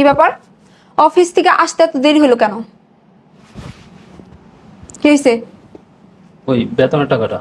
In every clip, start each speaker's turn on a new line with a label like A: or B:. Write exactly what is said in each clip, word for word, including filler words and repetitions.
A: কি ব্যাপার? অফিস থেকে আসতে এত দেরি হলো কেন? কি হয়েছে?
B: ওই বেতনের টাকাটা।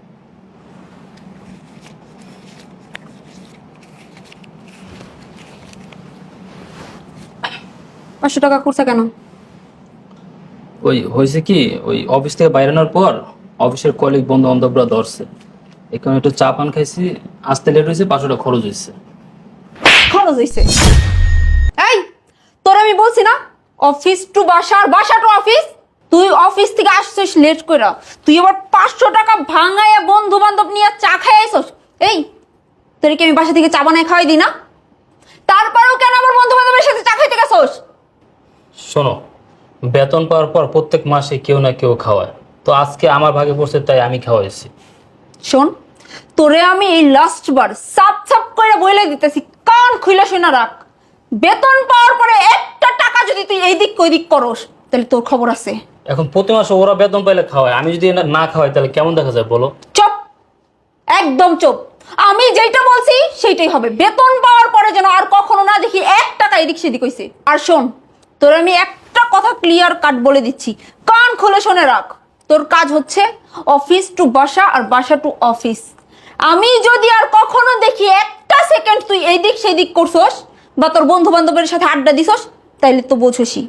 A: পাঁচশো টাকা করছে কেন?
B: ওই হয়েছে কি, ওই অফিস থেকে বাইরে আনার পর অফিসের কলিগ বন্ধু বান্ধবরা ধরছে, এখানে একটু চা পান খাইছি, আসতে লেট হয়েছে, পাঁচশো টাকা খরচ হয়েছে।
A: খরচ হয়েছে? এই, তোর আমি বলছি না অফিস টু বাসা আর বাসা টু অফিস। তুই অফিস থেকে আসছিস লেট কইরা, তুই আবার পাঁচশো টাকা ভাঙাইয়া বন্ধু বান্ধব নিয়ে চা খাই আইসস। এই, তোর কি আমি বাসা থেকে চা বানাই খাওয়াই দিই না? তারপরেও কেন আমার বন্ধু বান্ধবের সাথে চা খাইতে গেছস?
B: শোনো, বেতন পাওয়ার পর প্রত্যেক মাসে কেউ না কেউ খাওয়ায়, তো আজকে আমার ভাগে পড়ছে তাই আমি খাওয়াইছি।
A: শোন, তোরে আমি এই লাস্ট বার সাপ সাপ করে বলে দিতেছি, কান খুইলা শোনা রাখ। বেতন পাওয়ার পরে একটা টাকা যদি তুই এই দিক ওই দিক করস, তাহলে তোর খবর আছে।
B: এখন প্রতি মাসে ওরা বেতন পাইলে খাওয়ায়, আমি যদি না- না খাওয়াই তাহলে কেমন দেখা যায় বলো?
A: চুপ, একদম চুপ। আমি যেটা বলছি সেইটাই হবে। বেতন পাওয়ার পরে যেন আর কখনো না দেখি এক টাকা এদিক সেদিক হইছে। আর শোন, তোর আমি একটা কথা ক্লিয়ার কাট বলে দিচ্ছি, কান খুলে শুনে রাখ। তোর কাজ হচ্ছে অফিস টু বাসা আর বাসা টু অফিস। আমি যদি আর কখনো দেখি একটা সেকেন্ড তুই এই দিক সেই দিক করছস বা তোর বন্ধু বান্ধবের সাথে আড্ডা দিছস, তাইলে তো বোঝসই।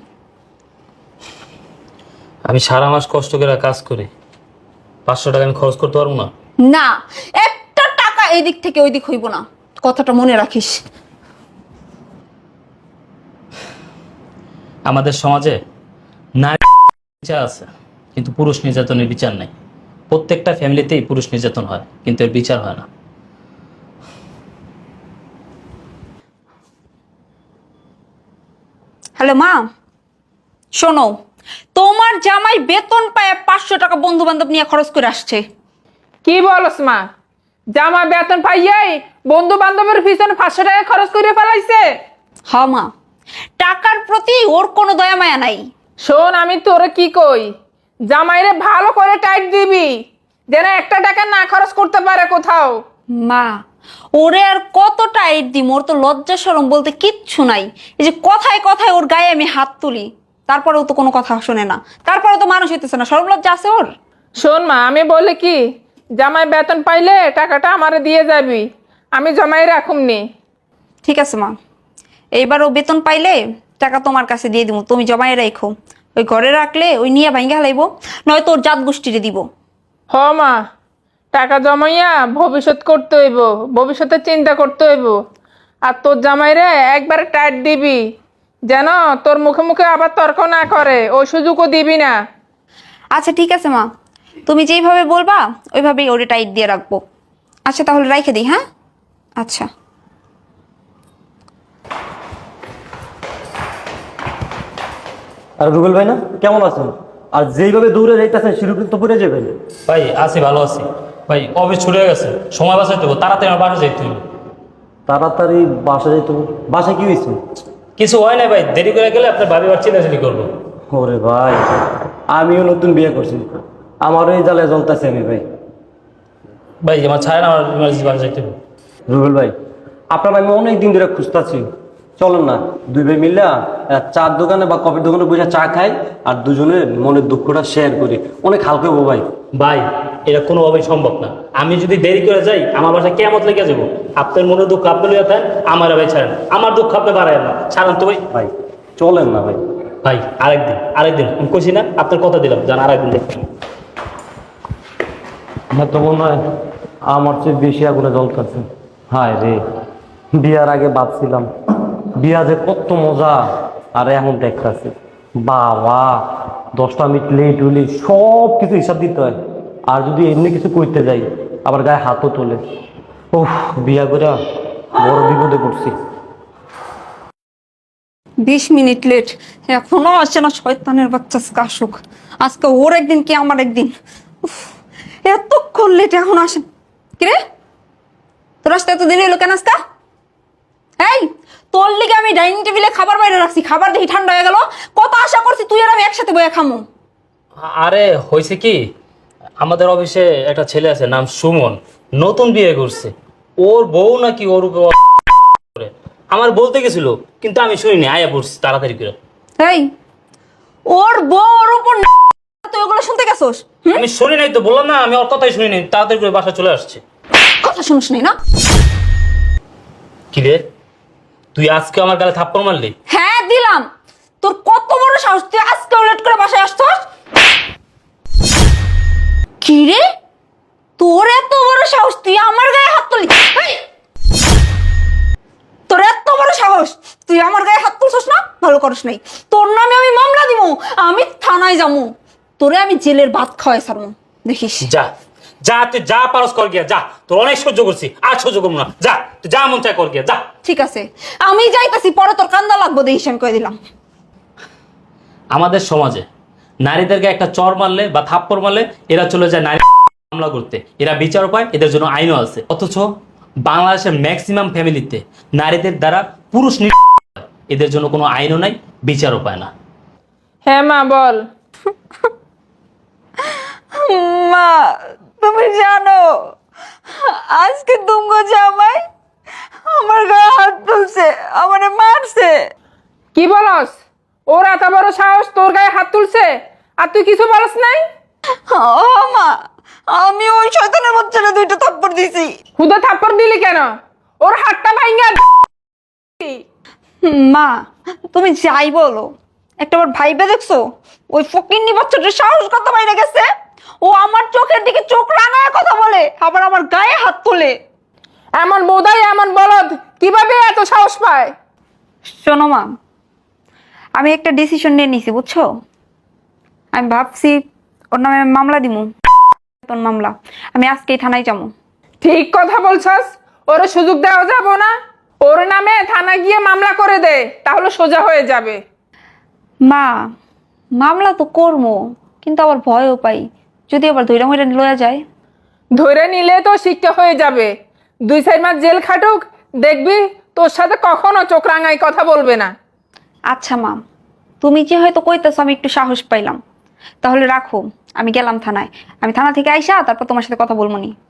B: আমি সারা মাস কষ্ট করে কাজ করি, পাঁচশো টাকা আমি খরচ করতে পারবো না?
A: না, একটা টাকা এই দিক থেকে ওই দিক হইব না, কথাটা মনে রাখিস।
B: আমাদের সমাজে নারী বিচার আছে, কিন্তু পুরুষ নির্যাতনের বিচার নাই। প্রত্যেকটা ফ্যামিলিতেই পুরুষ নির্যাতন হয়, কিন্তু এর বিচার হয় না।
A: হ্যালো মা, শোনো, তোমার জামাই বেতন পায় পাঁচশো টাকা বন্ধু বান্ধব নিয়ে খরচ করে আসছে।
C: কি বলস মা? জামা বেতন পাইয়াই বন্ধু বান্ধবের পিছনে পাঁচশো টাকা খরচ করে ফেলাইছে?
A: হ্যাঁ মা, টাকার প্রতি ওর কোনো দয়া মায়া নাই।
C: শোন, আমি তোরে কি কই, জামাইরে ভালো করে টাইট দিবি যেন একটা টাকা না খরচ করতে পারে কোথাও।
A: মা, ওরে আর কত টাইট দিম, ওর তো লজ্জা শরম বলতে কিচ্ছু নাই। এই যে কথায় কথায় ওর গায়ে আমি হাত তুলি, তারপরেও তো কোনো কথা শোনে না, তারপরেও তো মানুষ হইতেছে না, শরম লজ্জা আছে ওর?
C: শোন মা, আমি বলে কি, জামাই বেতন পাইলে টাকাটা আমারে দিয়ে যাবি, আমি জমাই রাখুমনি।
A: ঠিক আছে মা, এইবার ও বেতন পাইলে টাকা তোমার কাছে দিয়ে দিব, তুমি জমাই রাখো। ওই ঘরে রাখলে ওই নিয়ে ভাঙ্গা হালাইবো, নয় তোর জাত গোষ্ঠীরে দিব।
C: হ মা, টাকা জমাইয়া ভবিষ্যৎ করতে হইব, ভবিষ্যতে চিন্তা করতে হইব। আর তোর জামাইরে একবারে টাইট দিবি যেন তোর মুখে মুখে আবার তর্ক না করে, ওই সুযোগও দিবি না।
A: আচ্ছা ঠিক আছে মা, তুমি যেইভাবে বলবা ওইভাবেই ওরে টাইট দিয়ে রাখবো। আচ্ছা তাহলে রাইখে দিই। হ্যাঁ আচ্ছা।
D: আর রুবেল ভাই না কেমন আছেন? আর যেইভাবে দৌড়ে যাইতেছেন সেরকম তো পড়ে যাবেন।
B: ভাই আছি, ভালো আছি ভাই। অফিস ছুটে গেছে, সময় বাঁচাইতে হবে, তাড়াতাড়ি আমার বাসা যাইতে হবে।
D: তাড়াতাড়ি বাসা যাইতে হবে? বাসায় কি হয়েছে?
B: কিছু হয় না ভাই, দেরি করে গেলে আপনার ভাবি বার চিল্লাচিল্লি করবো।
D: ওরে ভাই, আমিও নতুন বিয়ে করছি, আমারও এই জ্বালায় জ্বলতেছে আমি ভাই।
B: ভাই আমার ছাড়েন, আমার ইমার্জেন্সি বাসা যাইতে হবে।
D: রুবেল ভাই, আপনার আমি অনেক দিন ধরে খুঁজতেছি, চলেন না দুই ভাই মিলে চার দোকানে বা কফির দোকানে বসে চা খাই আর দুজনের মনের দুঃখটা শেয়ার করি, অনেক হালকা হবো ভাই।
B: ভাই এটা কোনোভাবেই সম্ভব না, আমি যদি দেরি করে যাই আমার বাসায় কেমত লেগে যাবো। আপনার মনে দুঃখ আপনি লইয়া থাকেন, আমার ভাই ছাড়েন, আমার দুঃখ আপনি বাড়ায় না, ছাড়েন তো ভাই।
D: ভাই চলেন না ভাই।
B: ভাই আরেকদিন, আরেকদিন আমি কইছি না, আপনার কথা দিলাম, জান আরেকদিন দেখবেন।
D: হ্যাঁ তো মনে হয় আমার চেয়ে বেশি আগুনে জ্বলতেছে। হায় রে, বিয়ার আগে ভাবছিলাম বিয়া যে কত মজা, আর এখন দেখতেছি বাবা দশটা মিনিট লেট হইলে সব কিছু হিসাব দিতে হয়, আর যদি এমনি কিছু করতে যাই আবার গায়ে হাতও তোলে। উফ, বিয়া করে বড় বিপদে পড়ছি।
A: বিশ মিনিট লেট, এখনো আসে না শয়তানের বাচ্চা কাশুক। আজকে ওর একদিন কি আমার একদিন। উফ, এতক্ষণ লেট এখন আসেন। কিরে, তোর আসতে এত দেরি হলো কেন আজকা? এই, তোর লিগে আমি ডাইনিং টেবিলে খাবার বাইরে রাখছি, খাবার দেখি ঠান্ডা হয়ে গেল। কত আশা করছি তুই আর আমি একসাথে বয়ে খামো।
B: আরে হয়েছে কি, আমাদের অফিসে একটা ছেলে আছে নাম সুমন, নতুন বিয়ে করছে, ওর বউ নাকি ওর উপর করে। আমার বলতে গেছিল, কিন্তু আমি শুনিনি, আয়া পড়ছি তাড়াতাড়ি করে।
A: এই ওর বউর উপর তুই ওগুলো শুনতে গেছোস? হুম?
B: আমি শুনি নাই তো, বললাম না আমি ওর কথাই শুনি নাই, তাড়াতাড়ি করে বাসা চলে আসছে।
A: কথা শুনিস নাই না?
B: কি রে, তুই আজকে আমার গালে থাপ্পড় মারলি?
A: হ্যাঁ দিলাম। তোর কত বড় সাহস, তুই আজকে লেট করে বাসায় আসছস? কি রে, তোর এত বড় সাহস, তুই আমার গায়ে হাত তুললি? এই! তোর এত বড় সাহস, তুই আমার গায়ে হাত তুলছস না? ভালো করিস নাই। তোর নামে আমি মামলা দিব, আমি থানায় যাবো, তোরে আমি জেলের ভাত খাওয়াই ছাড়বো, দেখিস।
B: যা যা, তুই যা পারস কর গিয়া, যা। তোর অনেক সহ্য করছি, আর সহ্য করবো না। যা, তুই যা মন চায় কর গিয়া, যা।
A: ঠিক আছে, আমি যাইতাছি, পরে তোর কান্দা লাগবো, দেখিস আমি কয়ে দিলাম।
B: আমাদের সমাজে নারীদেরকে একটা চর মারলে বা থাপ্পড় মারলে এরা চলে যায় নারী মামলা করতে, এরা বিচার পায়, এদের জন্য আইনও আছে। অথচ বাংলাদেশের ম্যাক্সিমাম ফ্যামিলিতে নারীদের দ্বারা পুরুষ নির এদের জন্য কোনো আইনও নাই, বিচারও পায় না।
C: হ্যাঁ মা বল।
A: মা তুমি জানো আজকে তুঙ্গ জামাই আমার গায়ে হাত তুলছে, আমারে মারছে।
C: কি বলস? ওর এত বড় সাহস তোর গায়ে হাত তুলছে আর তুই কিছু বলস নাই?
A: ও মা, আমি ওই শয়তানের বাচ্চাটা দুইটা থাপ্পড় দিছি।
C: হুদা থাপ্পড় দিলি কেন? ওর হাতটা ভাঙা।
A: মা তুমি যাই বলো, একটা বার ভাইবে দেখছো ওই ফকিন্নি বাচ্চাটার সাহস কত বাইরে গেছে? ও আমার চোখের দিকে চোখ রাঙায় কথা বলে, আবার আমার গায়ে হাত তোলে।
C: এমন বোধাই এমন বলদ কিভাবে এত সাহস পায়?
A: শোনো মা, আমি একটা ডিসিশন নিয়ে নিছি বুঝছো। আমি ভাবছি ওর নামে আমি মামলা দিমু, মামলা। আমি আজকেই থানায় যাবো।
C: ঠিক কথা বলছস, ওর সুযোগ দেওয়া যাবো না। ওর নামে থানা গিয়ে মামলা করে দে, তাহলে সোজা হয়ে যাবে।
A: মা মামলা তো করবো, কিন্তু আবার ভয়ও পাই, যদি আবার ধৈরা মইরা লয়া যায়।
C: ধরে নিলে তো শিক্ষা হয়ে যাবে। দুই চার মাস জেল খাটুক, দেখবি তোর সাথে কখনো চোখ রাঙাই কথা বলবে না।
A: আচ্ছা মা, তুমি যে হয়তো কইতেছো আমি একটু সাহস পাইলাম, তাহলে রাখো, আমি গেলাম থানায়। আমি থানা থেকে আইসা তারপর তোমার সাথে কথা বলবো নি।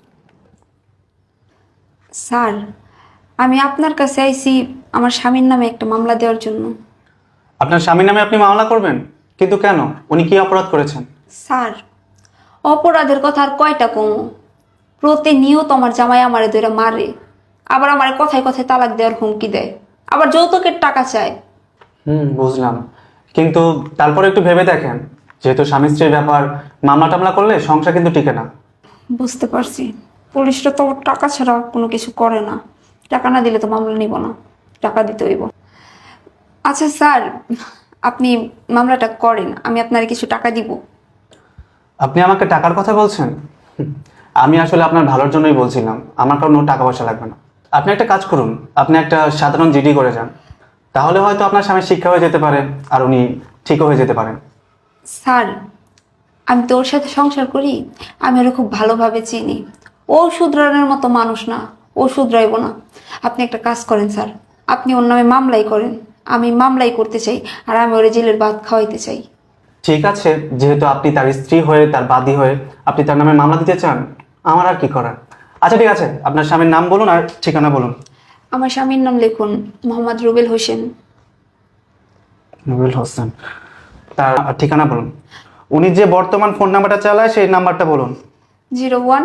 A: স্যার, আমি আপনার কাছে আইছি আমার স্বামীর নামে একটা মামলা দেওয়ার জন্য।
E: আপনার স্বামীর নামে আপনি মামলা করবেন? কিন্তু কেন? উনি কি অপরাধ করেছেন?
A: স্যার, অপরাধের কথা আর কয়টা কমো, প্রতিনিয়ত আমার জামাই আমারে ধরে মারে, আবার আমার কথায় কথায় তালাক দেওয়ার হুমকি দেয়, আবার যৌতুকের টাকা চায়।
E: হুম, বুঝলাম। কিন্তু তারপরে একটু ভেবে দেখেন, যেহেতু স্বামী স্ত্রীর ব্যাপার, মামলা টামলা করলে সংসার কিন্তু টিকে না।
A: বুঝতে পারছি, পুলিশরা তো টাকা ছাড়া কোনো কিছু করে না, টাকা না দিলে তো মামলা নিব না, টাকা দিতে হইব। আচ্ছা স্যার, আপনি মামলাটা করেন, আমি আপনার কিছু টাকা দিব।
E: আপনি আমাকে টাকার কথা বলছেন? হুম, আমি আসলে আপনার ভালোর জন্যই বলছিলাম, আমার কোনো টাকা পয়সা লাগবে না। আপনি একটা কাজ করুন, আপনি একটা সাধারণ জিডি করে যান, তাহলে হয়তো আপনার স্বামীর শিক্ষা হয়ে যেতে পারে, আর উনি ঠিকও হয়ে যেতে পারেন।
A: স্যার, আমি তো ওর সাথে সংসার করি, আমি ওরা খুব ভালোভাবে চিনি, ও শুধরানোর মতো মানুষ না, ও শুধরাইব না। আপনি একটা কাজ করেন স্যার, আপনি ওর নামে মামলাই করেন, আমি মামলাই করতে চাই, আর আমি ওরে জেলের ভাত খাওয়াইতে চাই।
E: ঠিক আছে, যেহেতু আপনি তার স্ত্রী হয়ে, তার বাদী হয়ে আপনি তার নামে মামলা দিতে চান, আমার আর কি করার। আচ্ছা ঠিক আছে, আপনার স্বামীর নাম বলুন আর ঠিকানা বলুন।
A: আমার স্বামীর নাম লিখুন মোহাম্মদ রুবেল হোসেন।
E: রুবেল হোসেন। তার ঠিকানা বলুন। উনি যে বর্তমান ফোন নাম্বারটা চালায় সেই নাম্বারটা বলুন।
A: Zero one.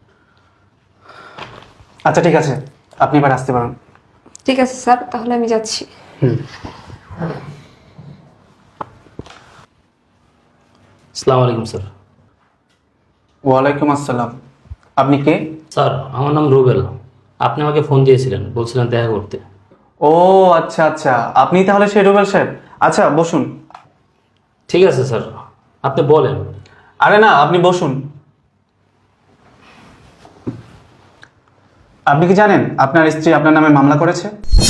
E: আচ্ছা ঠিক আছে, আপনি এবার আসতে পারেন।
A: ঠিক আছে স্যার, তাহলে আমি যাচ্ছি।
E: হুম।
B: আসসালামু আলাইকুম স্যার।
E: ওয়ালাইকুম আসসালাম। আপনি কে?
B: স্যার, আমার নাম রুবেল। আপনি আমাকে ফোন দিয়েছিলেন, বলছিলেন দেখা করতে।
E: ও আচ্ছা আচ্ছা, আপনি তাহলে সেই রুবেল সাহেব। আচ্ছা বসুন।
B: ঠিক আছে স্যার, আপনি বলেন।
E: আরে না, আপনি বসুন। আপনি কি জানেন আপনার স্ত্রী আপনার নামে মামলা করেছে?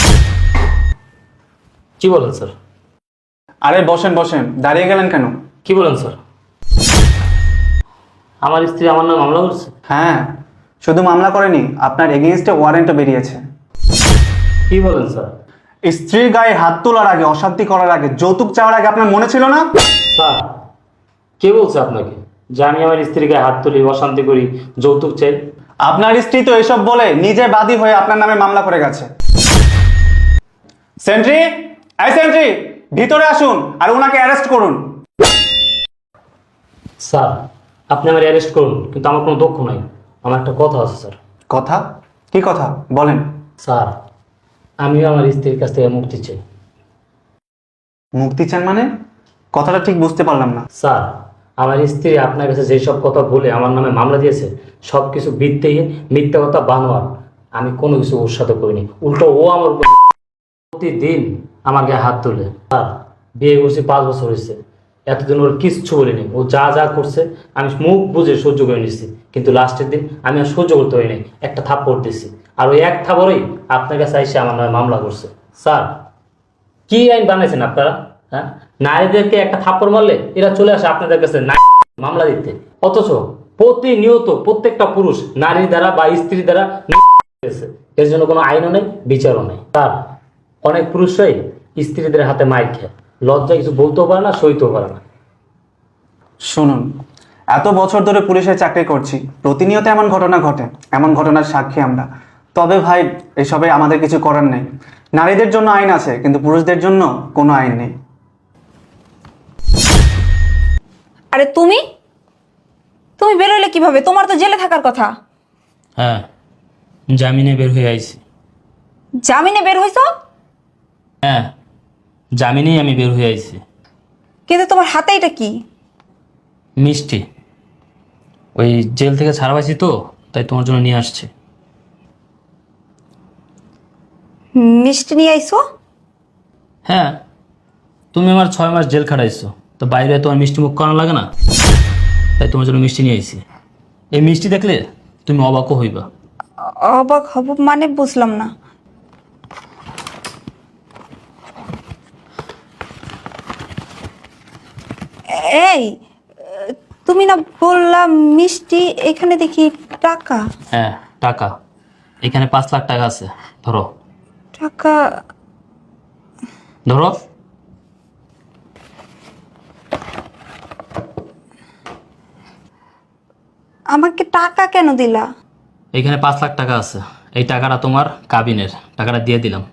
B: কি বলেন স্যার?
E: আরে বসেন বসেন, দাঁড়িয়ে গেলেন কেন?
B: কি বলেন স্যার? আমার স্ত্রী আমার নামে মামলা করছে?
E: হ্যাঁ, শুধু মামলা করেনি, আপনার এগেইনস্টে ওয়ারেন্টও বেরিয়েছে।
B: কি বলেন স্যার?
E: স্ত্রীর গায়ে হাত তোলার আগে, অশান্তি করার আগে, যৌতুক চাওয়ার আগে আপনার মনে ছিল না?
B: স্যার, কে বলছে আপনাকে যে আমি আমার স্ত্রীর গায়ে হাত তুলি, অশান্তি করি, যৌতুক চাই?
E: আপনার স্ত্রী তো এসব বলে নিজে বাদী হয়ে আপনার নামে মামলা করে গেছে। সেন্ট্রি, এই সেন্ট্রি, ভিতরে আসুন আর ওনাকে অ্যারেস্ট করুন।
B: স্যার, আপনি আমার অ্যারেস্ট করুন, কিন্তু আমার কোনো দুঃখ নাই। আমার একটা কথা আছে স্যার।
E: কথা? কি কথা বলেন?
B: স্যার, আমিও আমার স্ত্রীর কাছ থেকে মুক্তি চাই।
E: মুক্তি চান মানে? কথাটা ঠিক বুঝতে পারলাম না।
B: স্যার, আমার স্ত্রী আপনার কাছে যেসব কথা বলে আমার নামে মামলা দিয়েছে, সব কিছু ভিত্তিহীন, মিথ্যা কথা, বানোয়ার। আমি কোনো কিছু ওর সাথে করিনি, উল্টো ও আমার উপর প্রতিদিন আমার গায়ে হাত তোলে। স্যার, বিয়ে করছি পাঁচ বছর হয়েছে, এতদিন ওর কিচ্ছু বলিনি। ও যা যা করছে আমি মুখ বুঝে সহ্য করে নিচ্ছি, কিন্তু লাস্টের দিন আমি আর সহ্য করতে পারিনি, একটা থাপ্পড় দিচ্ছি। আর ওই এক থাপ্পড়েই আপনার কাছে এসে আমার নামে মামলা করছে। স্যার, কি আইন বানাইছেন আপনারা? হ্যাঁ, নারীদেরকে একটা থাপ্পড় মারলে এরা চলে আসে আপনাদের কাছে মামলা দিতে, অথচ প্রতিনিয়ত প্রত্যেকটা পুরুষ নারী দ্বারা বা স্ত্রী দ্বারা এর জন্য কোনো আইনও নেই, বিচারও নেই। তার অনেক পুরুষরাই স্ত্রীদের হাতে মাইর খায়, লজ্জা কিছু বলতেও পারে না, সইতেও পারে না।
E: শুনুন, এত বছর ধরে পুলিশের চাকরি করছি, প্রতিনিয়ত এমন ঘটনা ঘটে, এমন ঘটনার সাক্ষী আমরা। তবে ভাই, এসবে আমাদের কিছু করার নেই। নারীদের জন্য আইন আছে, কিন্তু পুরুষদের জন্য কোনো আইন নেই।
A: আরে তুমি তুমি বেরোলে কিভাবে? তোমার তো জেলে থাকার কথা।
B: হ্যাঁ, জামিনে বের হয়ে আইছি।
A: জামিনে বের হইছো?
B: হ্যাঁ, জামিনেই আমি বের হয়ে আইছি।
A: কিন্তু তোমার হাতে এটা কি?
B: মিষ্টি। ওই জেল থেকে ছাড়া পাইছি তো, তাই তোমার জন্য নিয়ে আসছি।
A: মিষ্টি নিয়ে আইছো?
B: হ্যাঁ, তুমি আমার ছয় মাস জেল খাটাইছো, তো বাইরে তোমার মিষ্টি মুখ করানো লাগে না, তাই তোমার জন্য মিষ্টি নিয়ে আইছি। এই মিষ্টি দেখলে তুমি অবাকও হইবা।
A: অবাক হব মানে বুঝলাম না। এই, তুমি না বললাম মিষ্টি, এখানে দেখি টাকা।
B: হ্যাঁ, টাকা। এখানে পাঁচ লাখ টাকা আছে, ধরো।
A: টাকা?
B: ধরো।
A: আমাকে টাকা কেন দিলা?
B: এখানে পাঁচ লাখ টাকা আছে, এই টাকাটা তোমার কাবিনের, টাকাটা দিয়ে দিলাম।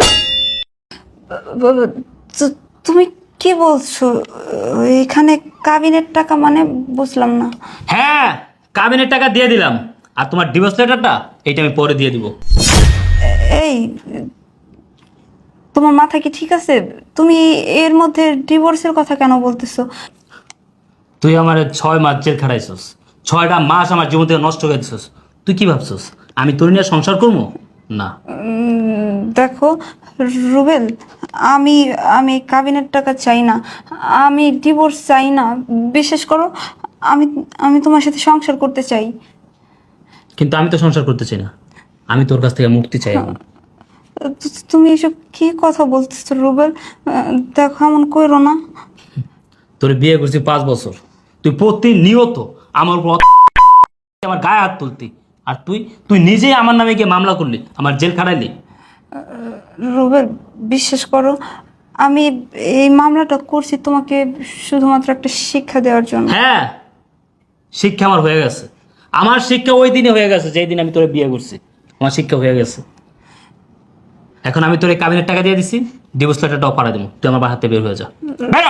A: তু- তুমি কি বলছো? এখানে কাবিনের টাকা মানে বুঝলাম না।
B: হ্যাঁ, কাবিনের টাকা দিয়ে দিলাম, আর তোমার ডিভোর্স লেটারটা এইটা আমি পরে দিয়ে দিব।
A: এই, তোমার মাথা কি ঠিক আছে? তুমি এর মধ্যে ডিভোর্সের কথা কেন বলতেছো?
B: তুই আমার ছয় মাস জেল খাটাইছস, ছয়টা মাস আমার জীবন থেকে নষ্ট করে দিছস। তুই কি ভাবছস আমি তোর নিয়ে সংসার করবো? না।
A: উম, দেখো রুবেল, আমি আমি কাবিনের টাকা চাই না, আমি ডিভোর্স চাই না। বিশেষ করো, আমি আমি তোমার সাথে সংসার করতে চাই।
B: কিন্তু আমি তো সংসার করতে চাই না, আমি তোর কাছ থেকে মুক্তি চাই এখন।
A: তু- তুমি এসব কি কথা বলতেছো রুবেল? আহ, দেখো, এমন কইরো না।
B: তোর বিয়ে করছি পাঁচ বছর, তুই প্রতিনিয়ত আমার উপর আমার গায়ে হাত তুলতি, আর তুই তুই নিজেই আমার নামে গিয়ে মামলা করলি, আমার জেল খাটাইলি।
A: রুবেল, বিশ্বাস করো, আমি এই মামলাটা করছি তোমাকে শুধুমাত্র একটা শিক্ষা দেওয়ার জন্য।
B: হ্যাঁ, শিক্ষা আমার হয়ে গেছে। আমার শিক্ষা ওই দিনে হয়ে গেছে যেই দিন আমি তোরে বিয়ে করছি, আমার শিক্ষা হয়ে গেছে। এখন আমি তোর এই কাবিনের টাকা দিয়ে দিছি, ডিভোর্স লেটারটাও পাঠিয়ে দেবো, তুই আমার হাতে বের হয়ে যা। বেরো।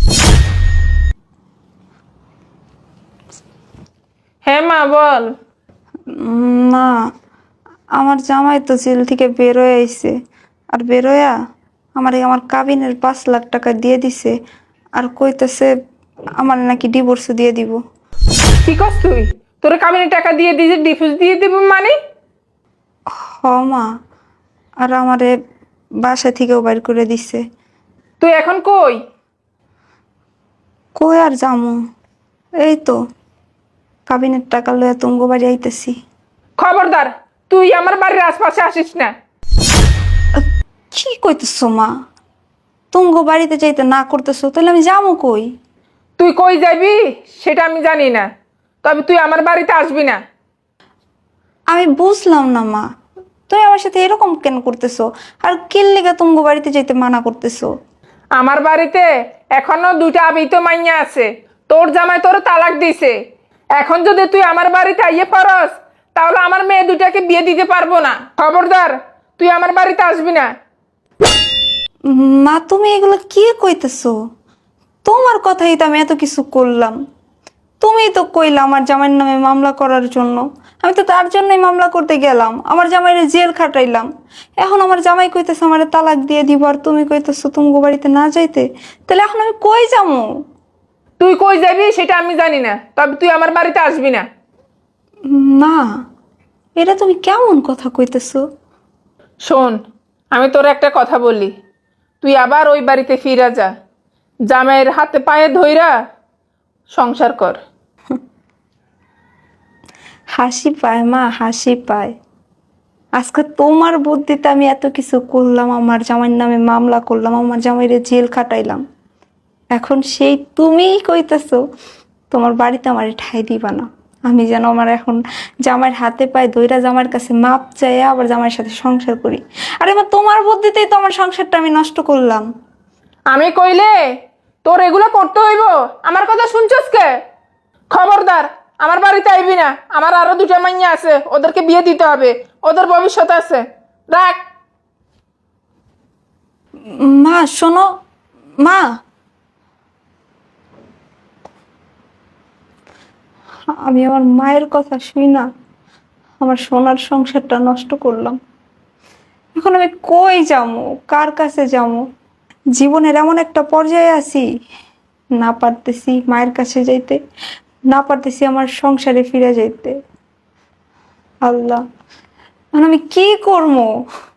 C: হ্যাঁ মা, বল।
A: উম, না, আমার জামাই তো জেল থেকে বেরোয় আইছে, আর বেরোয়া আমার এই আমার কাবিনের পাঁচ লাখ টাকা দিয়ে দিছে, আর কইতেছে আমার নাকি ডিভোর্স দিয়ে দিব।
C: কি করছ তুই? তোর কাবিনের টাকা দিয়ে দিয়েছে, ডিফিউজ দিয়ে দিব মানে?
A: হ মা, আর আমারে বাসা থেকেও বাইর করে দিছে।
C: তুই এখন কই?
A: কই আর যামু, এই তো কাবিনের টাকা লইয়া তুঙ্গ বাড়ি আইতেছি।
C: খবরদার, তুই আমার বাড়ির আশপাশে আসিস না।
A: কি কইতেছো মা? তুঙ্গ বাড়িতে যাইতে না করতেছো, তাহলে আমি যামু কই?
C: তুই কই যাবি সেটা আমি জানি না, তবে তুই আমার বাড়িতে আসবি না।
A: আমি বুঝলাম না মা, তুমি আমার সাথে এরকম কেন করতেছো? আর কিল লেগে তুঙ্গ বাড়িতে যাইতে মানা করতেছো?
C: আমার বাড়িতে এখনো দুইটা আবিত মাইয়া আছে, তোর জামাই তোর তালাক দিছে। এখন যদি তুই আমার বাড়িতে আইয়ে পারস, তাহলে আমার মেয়ে দুটাকে বিয়ে দিতে পারবো না। খবরদার, তুই আমার বাড়িতে আসবি না।
A: মা তুমি এগুলো কি কইতেছো? তোমার কথাই তো আমি এত কিছু করলাম। তুমিই তো কইলা আমার জামাইয়ের নামে মামলা করার জন্য। আমি তো তার জন্যই মামলা করতে গেলাম, আমার জামাইরে জেল খাটাইলাম। এখন আমার জামাই কইতেছে আমার তালাক দিয়ে দিব, আর তুমি কইতেছো তুমি বাড়িতে না যাইতে। তাহলে এখন আমি কই যাবো?
C: তুই কই যাবি সেটা আমি জানি না, তবে তুই আমার বাড়িতে আসবি না।
A: মা, এটা তুমি কেমন কথা কইতেছো?
C: শোন, আমি তোর একটা কথা বলি, তুই আবার ওই বাড়িতে ফিরা যা, জামাইয়ের হাতে পায়ে ধইরা সংসার কর।
A: হাসি পায় মা, হাসি পায়। আজকে তোমার বুদ্ধিতে আমি এত কিছু করলাম, আমার জামাইয়ের নামে মামলা করলাম, আমার জামাইরে জেল খাটাইলাম। এখন সেই তুমিই কইতেছো তোমার বাড়িতে আমার ঠাই দিবা না। আমি যেন আমার এখন জামাইয়ের হাতে পায়ে দইরা জামাইয়ের কাছে মাপ চাই, আবার জামাইয়ের সাথে সংসার করি। আরে মা, তোমার বুদ্ধিতেই তো আমার সংসারটা আমি নষ্ট করলাম।
C: আমি কইলে তোর এগুলো করতে হইব? আমার কথা শুনছস কে? খবরদার, আমার বাড়িতে আইবি না। আমার আরো দুটা মাইয়া আছে, ওদেরকে বিয়ে দিতে হবে, ওদের ভবিষ্যৎ আছে। রাখ।
A: মা শোনো, মা আমি আমার মায়ের কথা শুই না আমার সোনার সংসারটা নষ্ট করলাম। এখন আমি কই যাবো, কার কাছে যাবো? জীবনের এমন একটা পর্যায়ে আছি, না পারতেছি মায়ের কাছে যাইতে, না পারতেছি আমার সংসারে ফিরে যাইতে। আল্লাহ, এখন আমি কি করবো?